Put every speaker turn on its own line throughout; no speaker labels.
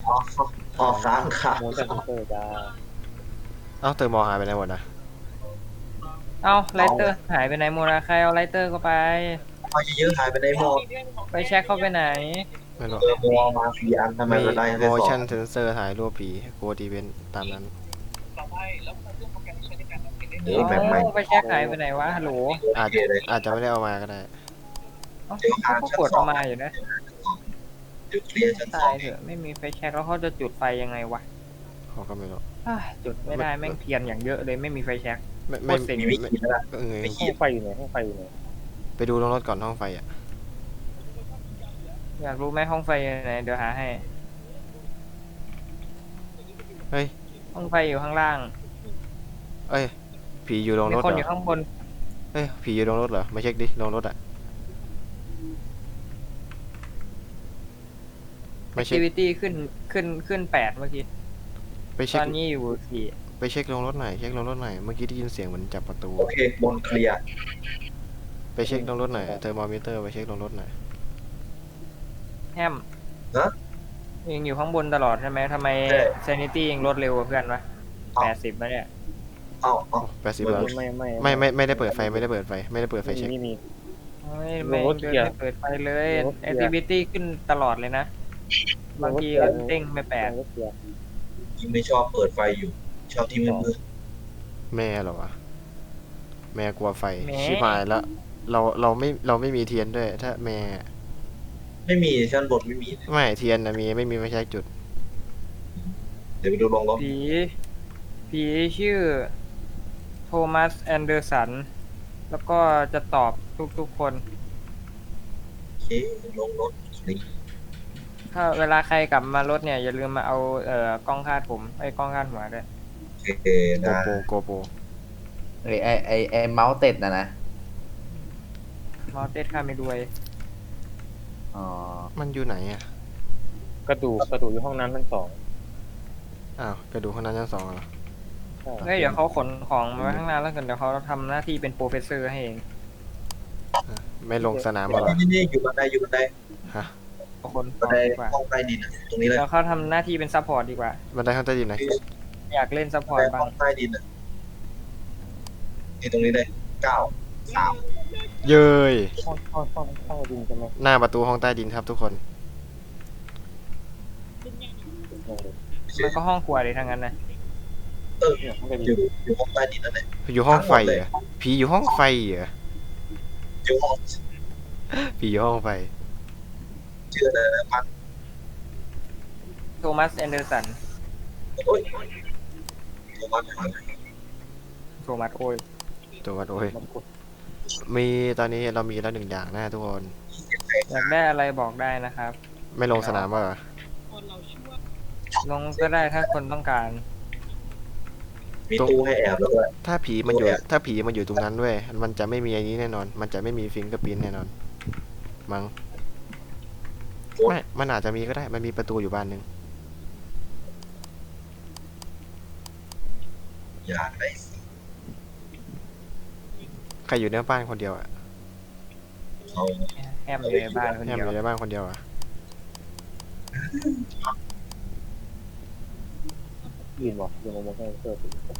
อ๋ออ๋อค้างค่ะ
โมชั่นเซนเซอร์จ้า
เอ้าเตอร์มอลหายไปไหนหมดนะ
เอาไล
เอา
เตอร์หายไปไหนหมดอะใครเอาไลเตอร์ก็ไป
เอาเยอะๆหายไปในหมด
ไปเช็คเข้าไปไหน
ไม่รู้
มัวมา4 อันทำไม
มี
เราได้แค่สอง
motion sensor ถ่ายรูปผีโกดอีเวนต์ตามนั้น
เอา
แบบใหม่
ไปเช็คหายไปไหนวะฮัลโหล
อาจ
โอเคเลย
อาจจะไม่ได้เอามาก็ได้
เอ้า
เดี๋ยว
เขาก็กดออกมาอยู่นะ
เดี๋ยวเคลียร์ชั้นส
ตา
อง
ยเถอะไม่มีไฟแช็กแล้วเขาจะจุดไฟยังไงวะ
เขาก็ไม่รู้
จุดไม่ได้แม่งเทียนอย่างเยอะเลยไม่มีไฟแช็กโค
ไม่ไม่
ตรเซ็ง
มีวิธีนะ
เออ
ไม่ขี
ห้อง
ด
ไฟอยู่ไหนห้องไฟอยู่ไหน
ไปดูลงรถก่อนห้องไฟอ่ะ
อยากรู้ไหมห้องไฟอยู่ไหนเดี๋ยวหาให้
เฮ้ย
ห้องไฟอยู่ข้างล่าง
เอ้ยผีอยู่ลง
มี
รถ
คน
เหร
อยู่
อ
ข้างบน
เอ้ยผีอยู่ลงรถเหรอมาเช็คดิลงรถอ่ะไม่เช็ค
activity ขึ้น8เมื่อกี้
ไป
ต
เช็ค
อนนี้อยู่4
ไปเช็คลงรถหน่อยเช็คลงรถหน่อยเมื่อกี้ได้ยินเสียงเหมือนจับประตู
โอเคบนเคลียร์
ไปเช็คลงรถหน่อยเทอร์โมมิเตอร์ไปเช็คลงรถหน่อย
แฮม
นะ
ยังอยู่ข้างบนตลอดใช่ไหมทำไม sanity ยังลดเร็วกว่าเพื่อนวะ80แล้วเนี่ย
เอา
80
ไม่
แล้ว ไม่ได้เปิดไฟไม่ได้เปิดไฟไม่ได้เปิดไฟเช็ค
มี
ไม่
รถ
เดิน
เกียร์
ไม่เปิดไฟเลย
รถเกียร์
activity ขึ้นตลอดเลยนะ บางทีก็เด้งไป8
รถเกียร์
ยิงไม่ชอบเปิดไฟอยู่ ชอบที่มืด
แม่เหรอวะแม่กลัวไฟ
แม่
ชิบหายแล้วเราไม่มีเทียนด้วยถ้าแม่
ๆไม่มีชั้นบนไม่มี
ไม่เทียนนะมีไม่มีไฟฉายจุด
เดี๋ยวไปดูลงรถ
ผีชื่อโทมัสแอนเดอร์สันแล้วก็จะตอบทุกๆคน
โอเคลงรถนี่
ถ้าเวลาใครกลับมารถเนี่ยอย่าลืมมาเอากล้องคาดผมไอ้กล้องคาดหัวด้วย
โอเค
โก
ได้
โปโกโป
ไอเมาส์เต็ดนะ
มอเตสค่าไม่รวย
อ๋อ
มันอยู่ไหนอ่ะ
กระดูกอยู่ห้องน้ำชั้น2
อ้าวกระดูกข้างนั้นชั้น 2เหรอ
เฮ้ยเดี๋ยวเขาขนของมาไว้ข้างหน้าแล้วกันเดี๋ยวเขาทำหน้าที่เป็นโปรเฟสเซอร์ให้เอง
ไม่ลงสนามมาเหรอ
นี่อยู่บันไดอยู่บันได
ฮะ
เอาขนข
บั
อน ง
ได
ดีกว่า
ห้องใต้ดินตรงนี้เลย
แล้วเขาทำหน้าที่เป็นซัพพอร์ตดีกว่า
บันไดข้างใต้ดินไหน
อยากเล่นซัพพอ
บั
ร์
น
ต
ได
บ้า
ห้อง งใต้ดินนี่ตรงนี้เลย9 3
เย้ย
ห้องดินใช่ไหม
หน้าประตูห้องใต้ดินครับทุกคน
มันก็ห้องครัวเลยทั้งนั้นนะ
เนี่ยห้องดิน
อยู่ห้องใต้ดินนั่นแหละ
อยู่ห้องไฟเหรอผีอยู่ห้องไฟเหรอ
อยู่ห้อง
ผีอยู่ห้องไฟ
ชื่ออะไรนะพัน
โทมัสแอนเดอร์สัน
โอ้ยโทมัส
โทมัสโอ้ย
ตัววัดโอ้ยมีตอนนี้เรามีแล้ว1 อย่างนะทุกคน
อยากได้อะไรบอกได้นะครับ
ไม่ลงสนามมาเหรอ
ลงก็ได้ถ้าคนต้องการ
มีตู้ให้แอบแล้วด้วย
ถ้าผีมันอยู่ตรงนั้นด้วยมันจะไม่มีอันนี้แน่นอน มันจะไม่มีฟิงเกอร์พิ้นแน่นอนมั้งไม่มันอาจจะมีก็ได้มันมีประตูอยู่บ้านหนึ่ง
อยากได้
ใครอยู่ในบ้านคนเดียวอ่ะ
เขา
แฮมอยู่ในบ้านคน
แฮม
เดี
อ
ยว
ยู่ในบ้านคนเดียวอ่ะ
ยืนบอกยังโมชั่นเซนเซอร์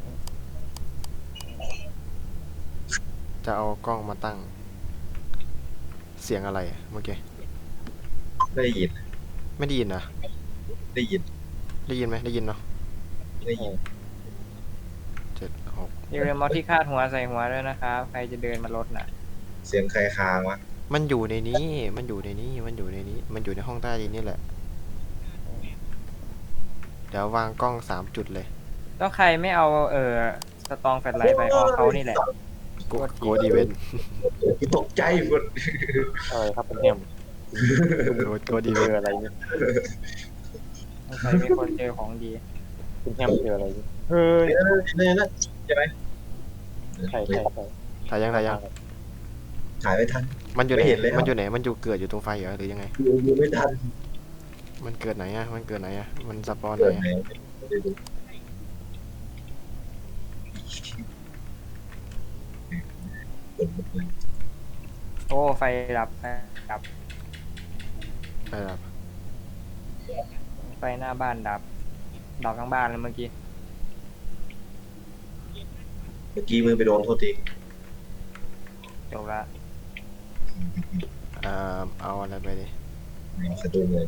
จะเอากล้องมาตั้ง เสียงอะไรอะเมื่อกี้
ไม่ได้ยิน
ไม่ได้ยินเหรอ
ได้ยิน
ได้ยินไหมได้ยินเนาะ
ได้ยิน
7 6
อย่าลืมเอาที่คาดหัวใส่หัวด้วยนะครับใครจะเดินมาลดน่ะ
เสียงใครค้างวะ
มันอยู่ในนี้มันอยู่ในนี้มันอยู่ในนี้มันอยู่ในห้องใต้ดินนี่แหละเดี๋ยววางกล้อง3 จุดเลย
แล้วใครไม่เอาสตองแฟลชไลท์ไปออกเขานี่แหละ
โกดีเวน
ตกใจหมด
อะไรครับเป็นแฮม
โกดี
เจ
เวน
ออะไรเนี่ย
ใครมีคนเจอของดี
คุณแฮมเจออะไรเนี่ยเฮ้ย
เนี่ยนะใช่ไหม
ใช่
ถ่ายยัง
ถ่ายไม่ทัน
มันอยู่ไหน
ไม่เห็นเลยครับ
มันอยู่ไหนมันอยู่เกิดอยู่ตรงไฟเหรอหรือยังไง
ดูไม่ทัน
มันเกิดไหนอะมันเกิดไหนอะมันสปอนไหนอะ
โอ้ไฟดับไฟดับ
ไปครับ
ไฟหน้าบ้านดับทั้งบ้านเลยเมื่อกี้
เมื่อกี้มือไปโดนโทษที
จบละ
เอาอะไรไปดิ
สะดุ้งเลย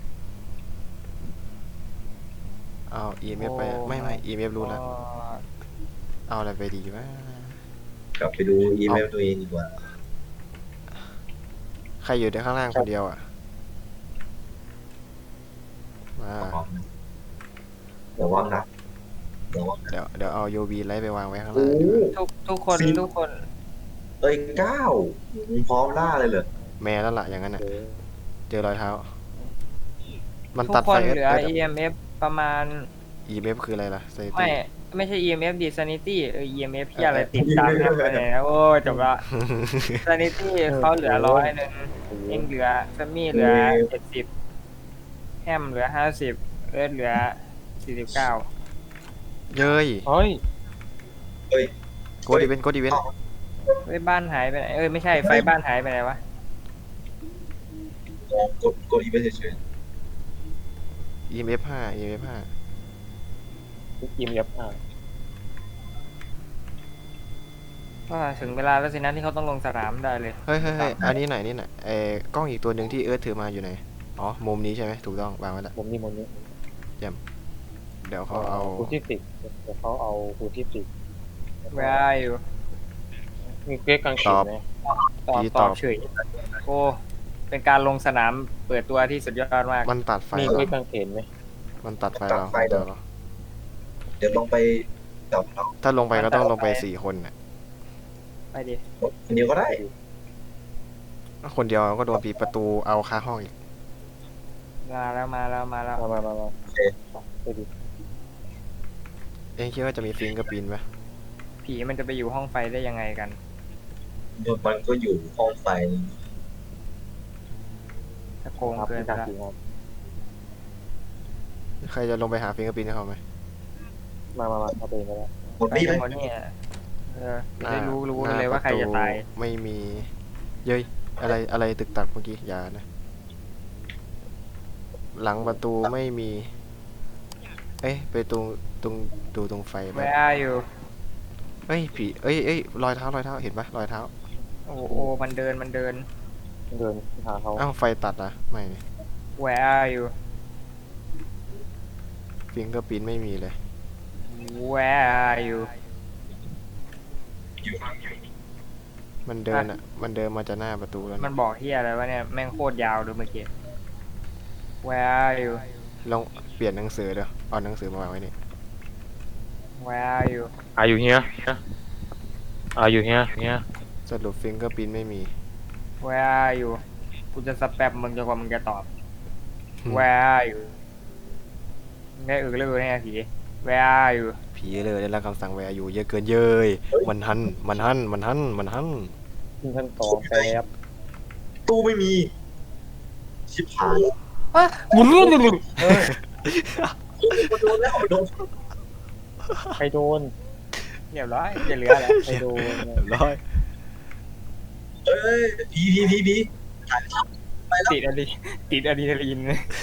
เอา EMF ไปไม่ EMF รู้แล้ว
ก็
เอาอะไรไปดีวะ
กลับไปดูอีเมลตัวเองดีกว่า
ใครอยู่ในข้างล่างคนเดียวอ่ะมา
เดี๋ยวว่านะเดี๋ยวว่า
เดี๋ยวเอา UV ไลท์ไปวางไว้ข้าง
โอ้
ล่างดีกว่า
ทุกคน
ฟิล์ม
ทุกคน
เอ้ยก้าวมึงพร้อมล่าเลยเหรอ
แม่แล้วล่ะอย่างนั้นอ่ะ
เออ
เจอรอยเท้า มัน
ทุ
ตัด
กค
ไฟ
นเหลือ
เ
EMF ประมาณ
EMF คืออะไรล่ะ
ไม่
Sanity
ไม่ใช่ EMF ดิ Sanity EMF ที่อะไรติดตามกันไปเนี่ยโอ้ยจบละ Sanity เขาเหลือ100เองเหลือแซมมี่เหลือ70แฮมเหลือ50เอิร์ธเหลือ49
เย้ย
เฮ้ย
โกดอีเวนต์โกดอีเวนต์
เฮ้ยบ้านหายไปไหนไม่ใช่ไฟบ้านหายไปไหนวะ
กดอีเมลเฉย
EMF 5 EMF
ทุกทีมยับอ่ะ
ก็ถึงเวลาแล้วสินะที่เขาต้องลงสนามได้เลย
5เฮ้ยอันนี้ไหนนี่ไหนกล้องอีกตัวหนึ่งที่เอิร์ธถือมาอยู่ไหน อ๋อ มุมนี้ใช่ไหมถูกต้องวางไว้แล้ว
ผมนี่มันนี้
เดี๋ยวเขาเอา
คูที่ติดเดี๋ยวเขาเอาคูที่ติด
Where are you
มีเกรกกางเขนไหม
ตอบเฉยโอ้เป็นการลงสนามเปิดตัวที่สุดยอดมาก
มันตัดไฟ
มี
เหร
เกร
อก
กางเขนไหม
มันตัดไฟเราเดี๋ยวเหรอ
เดี๋ยวลองไปจับเรา
ถ้าลงไปก็ต้องลงไป4 คนน่ะ
ไปดิ
คนเดียวก็ได้
คนเดียวก็โดนปิดประตูเอาคาห้องอีก
มาแล้ว
มาไปดิ
เอ็งคิดว่าจะมีฟิงกับปินไหม
ผีมันจะไปอยู่ห้องไฟได้ยังไงกัน
มันก็อยู่ห้องไฟ
จะโกง
ครับ
เกิน
เป็น
ไป
การ
ละ
ทีครับ
ใครจะลงไปหาฟิงกับปินให้เขาไหม
มาเอาไปก็ได้
หมด
ไป
พี่ไหม
กันหมดเนี่ยจะได้รู้กันเลยว่าใครจะตาย
ไม่มีเย้ยอะไรตึกตักเมื่อกี้อย่านะ หลังประตูไม่มี เอ้ยไปตรงดูตรงไฟไป
Where are you
เอ้ยผีเอ้ยรอยเท้เห็นปะรอยเท้า
โอ้โหมันเดิน
เดินหาเขา
อ้าวไฟตัดนะไม่นี่
Where are you
ฟิงกับปินไม่มีเลย
Where are you
มันเดินอ่ะ มันเดินมาจากหน้าประตูแล้ว
มัน
นะ
บอกเฮียอะไรวะเนี่ยแม่งโคตรยาวดูเมื่อกี้ Where are you
ลองเปลี่ยนหนังสือเดี๋ยวเอาหนังสือมาวางไว้นี่
Where are you
Are you here Are you here
สรุปฟิงกับปินไม่มี
Where are you กูจะสแปมมึงจนกว่ามึงจะตอบ Where are you ได้เรื่องเนี่ยผี Where are you
ผีเลยได้รับคำสั่งแวร์อยู่เยอะเกินเย้ยมันหัน
ขึ้นชั้น2แป๊บ
ตู้ไม่มี ชิบหาย
บุ้น
มันโดนแล้วมันโดน
ใครโดน
เรียบร้อยจะเหลืออะไร
ใครโดน
ร้อย
เอ้ยผี
ติดอะดรีนาลีน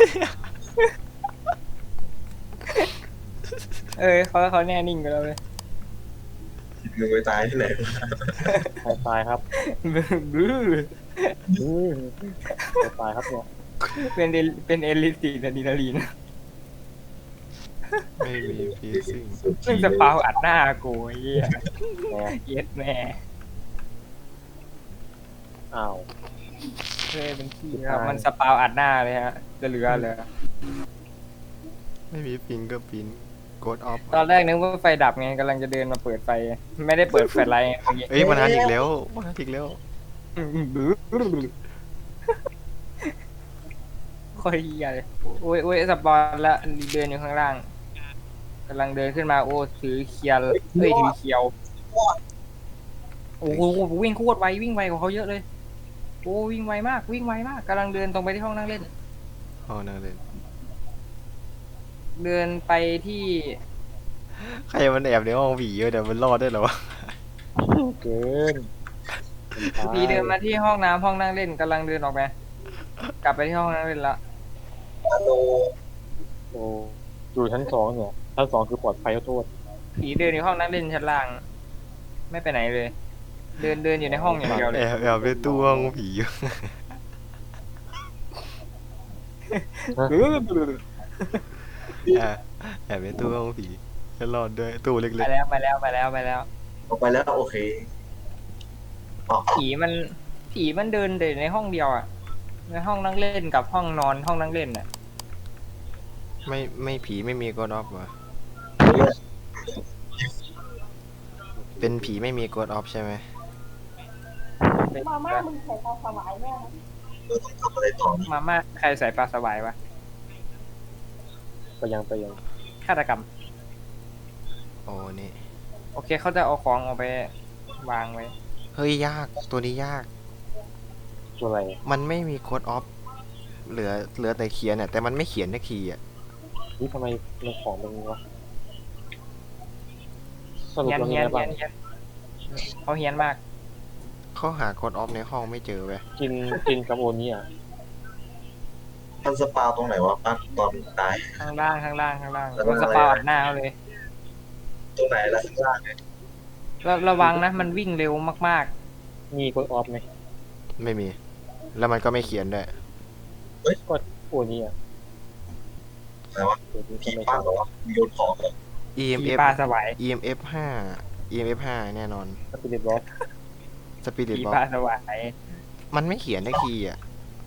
เขาแน่นิ่งกันแล้วเลย
มึงไปตายที่ไหน
ใครตายครับ
บื้อ
ใครตายครับเนี่ย
เป็นเอลิติดอะดรีนาลีน
ไม่มีพีซิ่ง
ซึ่งสปาวอัดหน้ากูไอ้เหี้ย
แหม
เย็ดแม่
อ้าว
เคยเป็นขี้ครับมันสปาวอัดหน้าเลยฮะจะเหลือเลย
ไม่มีฟิงกับปินกดออฟ
ตอนแรกนึกว่าไฟดับไงกำลังจะเดินมาเปิดไฟ ไม่ได้เปิดแฟลชไลท์เมื่อกี้
เอ้ยมันหันอีกแล้ว
ค่อยเหี้ยเลยโอ้ยสปอนแล้วเดินอยู่ข้างล่างกำลังเดินขึ้นมาโอ้ถือเคียวถือเคียวโอ้โหวิ่งโคตรไววิ่งไวกว่าเขาเยอะเลยโอ้วิ่งไวมากกำลังเดินตรงไปที่ห้องนั่งเล่น
อ๋อนั่นเลย
เดินไปที่
ใครมันแอบในห้องผีเยอะเดี๋ยวมันรอดได้เหรอวะ
เกิน
พีเดินมาที่ห้องน้ำห้องนั่งเล่นกำลังเดินออกไปกลับไปที่ห้องนั่งเล่นละ
ฮัลโหล
โอ้อยู่ชั้นสองเนี่ยชั้นสองคือปลอดภัยขอโทษ
ผีเดินอยู่ห้องนั่งเล่นชั้นล่าง ไม่ไปไหนเลย เดินอยู่ในห้องอย่างเดียวเลย
แอบในตู้ห้องผีอยู่แอบในตู้ห้องผีให้รอดด้วยตู้เล็
ไป
ก
แล้วไปแล้ว
ออกไปแล้วโอเคออก
ผีมันเดินแต่ในห้องเดียวอ่ะ ในห้องนั่งเล่นกับห้องนอนห้องนั่งเล่นอ่ะ
ๆไม่ผีไม่มีกดออฟวะเป็นผีไม่มีกดออฟใช่ไหม
มาม่ามึงใส่ปลาสวายแน่นะ
เราต้องทำอะไรต่อนี่
มาม่าใครใส่ปลาสวายวะ
ไปยัง
ฆาตกรรม
โอ้นี่
โอเคเขาจะเอาของออกไปวางไว้
เฮ้ยยากตัวนี้ยาก
ตัวอะไร
มันไม่มีโค้ดออฟเหลือแต่เขียนเนี่ยแต่มันไม่เขียนสักทีอ่ะ
นี่ทำไมมันของเป็นงี้วะสรุป
เฮียน
เรา
เฮี
มี
ย
อะ
น
ไร
เฮี
บ้าย ง
นเขาเฮียนมาก
เขาหาโค้ดออฟในห้องไม่เจอเว้ย
กินกับโอนี่อ่ะ
มันสปาตรงไหนวะปั้นตอนตาย
ข้างล่าง
แล้ว
โดนสปาอัดหน้าเขาเลย
ตรงไหนล่ะข้างล่างเนี่ย
ระวังนะมันวิ่งเร็วมาก
มีกดออฟไหม
ไม่มี แล้วมันก็ไม่เขียนด้วย
ก็โอนี่อ่ะ
อะไรวะ
โอนี่
ผี
ก็ไม่
ปั้
ใช่
นเหรอวะโยนของเหรอ
ๆผี
EMF
ปลาสวาย
EMF 5 EMF 5แน่นอน
สปิริตบล็อก
สปิริต
ผี
บ็อ
ปลาก สวาย
มันไม่เขียนสักทีอ่ะ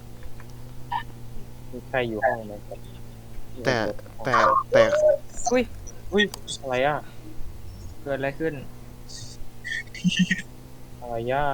มีใครอยู่ห้องไหมครับ
แต่แต่
อุ้ย
อะไรอ่ะ
เกิดอะไรขึ้น
อะไรย่า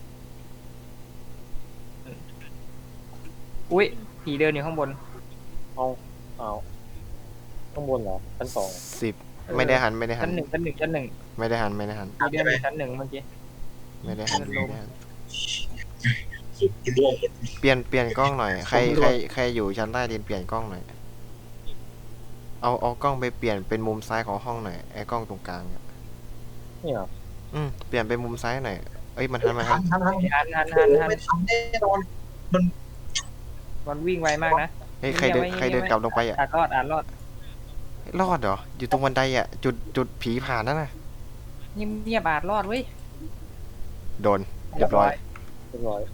อุ้ยผีเดินอยู่ข้างบน
เอาข้างบนเหรอชั้นสอง
10ไม่ได้หัน
ชั้นหนึ่ง
ไม่ได้หัน
ผีเดินอยู่ชั้นหนึ่งเมื่อกี้
ไม่ได้หัน
ลง
สุดที่ร่วงหมด
เปลี่ยนกล้องหน่อยใครอยู่ชั้นใต้ดินเปลี่ยนกล้องหน่อยเอากล้องไปเปลี่ยนเป็นมุมซ้ายของห้องหน่อยไอ้กล้องตรงกลางอะ
นี่เหรอ
เปลี่ยนเป็นมุมซ้ายหน่อยเอ้ยมันหัน
ทัน
หัน
ไม่ทันแน่นอน
มันวิ่งไวมากนะ
เฮ้ยใครเดินกลับลงไปอ่ะ
รอดรอด
รอดเหรออยู่ตรงบันไดอ่ะจุดผีผ่านนั่นน่ะ
เงียบรอดเว้ย
โดนเรียบร้อย
เรียบร้อย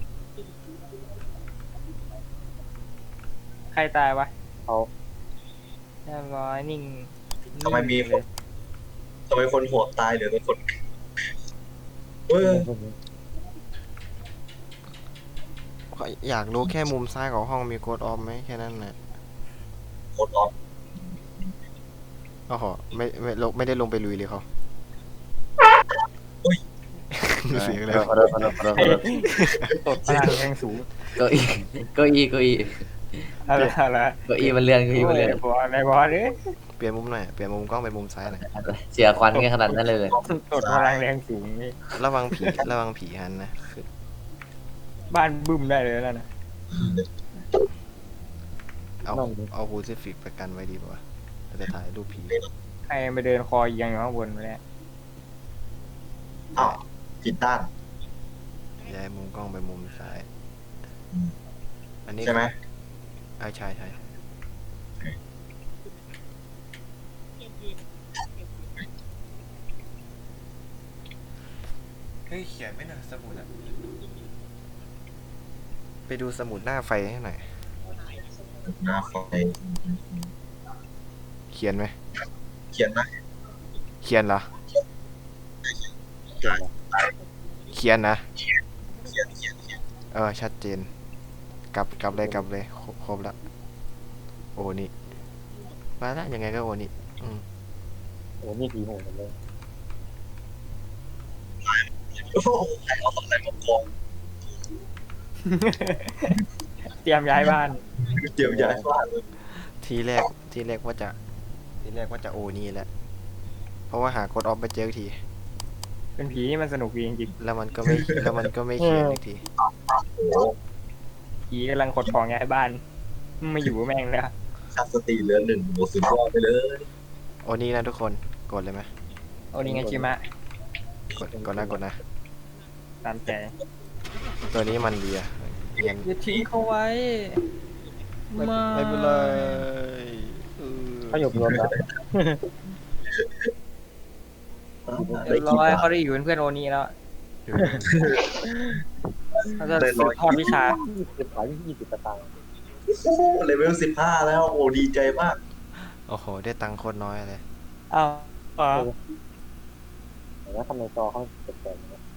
ใครตายวะ
เขา
เรียบร้อยนิ่ง
ทำไมมีคนทำไมคนโหดตายเหลือแต่คนเออ
อยากรู้แค่มุมซ้ายของห้องมีโกดออฟไหมแค่นั้นนะ
โหดออฟ
โอ้โหไม่ได้ลงไปลุยเลยเขาเสียงอะไรวะ
ขอโทษ
ตดพลังแรงสูง
เก้าอี้เก้าอี้
อะไร
เก้าอี้มันเลื่อนเก้าอี้มันเลื่อน
บอลบอลเลย
เปลี่ยนมุมหน่อยเปลี่ยนมุมกล้องเป็นมุมซ้ายหน่อย
เสียควันกันขนาดนั้นเลย
ตดพลังแรงสูงนี่
ระวังผีหันนะคือ
บ้านบึ้มได้เลยแล้วนะ
เอาฮูซิฟิกประกันไว้ดีป่ะเราจะถ่ายรูปผี
ใครไปเดินคอเอียงอยู่ข้างบนไปแล้ว
อ้าวผิดด้าน
ย้ายมุมกล้องไปมุมซ้าย อันนี้
ใช่ไหม
ใช่เฮ้ยเขียนไม่หน่อยสมุดอะไปดูสมุดหน้าไฟให้หน่อย
หน้าไฟ
เขียนไหม
เขียนนะ
เขียนเหรอ
ใช่
เขียนนะ
เขียน
ชัดเจน กลับเลยครบแล้วโอ้นี่มาละยังไงก็โอ้นี่
โอ้นี่ผีโหดเลย
โอ้โหใครเอาอะไรมากอง
เตรียมย้ายบ้าน
เดี๋ยวย้ายบ้านเลย
ทีแรกว่าจะโอ้นี่แหละเพราะว่าหากดออฟไปเจอที
เป็นผีนี่มันสนุกดีจริง
แล้วมันก็ไม่เขียนอีกที
ๆผีกำลังขนของย้ายบ้านไม่อยู่แม่งแล้ว
ค่าสติเหลือ1โอ้สุดยอดไปเลย
โอ้นี่นะทุกคนกดเลยไหม
โอนิงาชิมะ
กดนะ
ตามใจ
ตัวนี้มันดีอะยัง
อย่าทิ้งเขาไว้
ไม่เป็นไร
เขาอยู่รวมแล้ว
เรียบร้อยเขาได้อยู่เป็นเพื่อนโอนี่แล้วเขาจะสืบทอดวิชา
20 สตางค์
โอ้โหเลเวล15แล้วโอ้ดีใจมาก
โอ้โห ได้ตังค์โคตรน้อยเลย
อ้าว
เห็นว่าทำไมจอเขาแปลกๆ